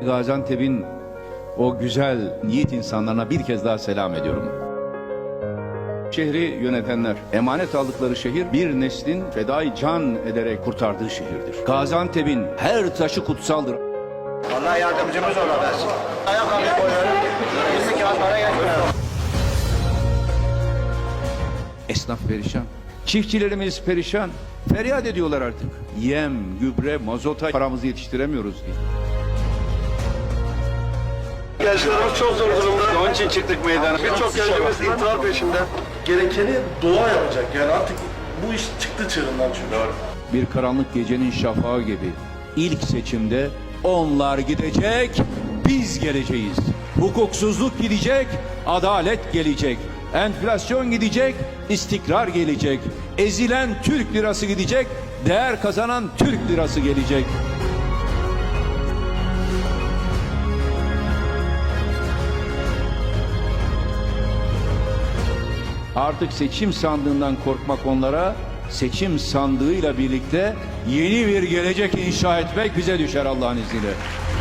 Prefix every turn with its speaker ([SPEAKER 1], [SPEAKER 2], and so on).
[SPEAKER 1] Gaziantep'in o güzel yiğit insanlarına bir kez daha selam ediyorum. Şehri yönetenler, emanet aldıkları şehir bir neslin fedai can ederek kurtardığı şehirdir. Gaziantep'in her taşı kutsaldır.
[SPEAKER 2] Allah yardımcımız olasın. Ayakkabı koyuyorum. 20 kağıt para geçmiyor.
[SPEAKER 1] Esnaf perişan. Çiftçilerimiz perişan. Feryat ediyorlar artık. Yem, gübre, mazota paramızı yetiştiremiyoruz diye.
[SPEAKER 3] Gençlerimiz çok zor durumda.
[SPEAKER 1] Onun için çıktık meydana.
[SPEAKER 3] Birçok gencimiz intihar peşinde. Gerekeni doğa yapacak. Yani artık bu iş çıktı çığırından çünkü.
[SPEAKER 1] Bir karanlık gecenin şafağı gibi ilk seçimde onlar gidecek, biz geleceğiz. Hukuksuzluk gidecek, adalet gelecek. Enflasyon gidecek, istikrar gelecek. Ezilen Türk lirası gidecek, değer kazanan Türk lirası gelecek. Artık seçim sandığından korkmak onlara, seçim sandığıyla birlikte yeni bir gelecek inşa etmek bize düşer Allah'ın izniyle.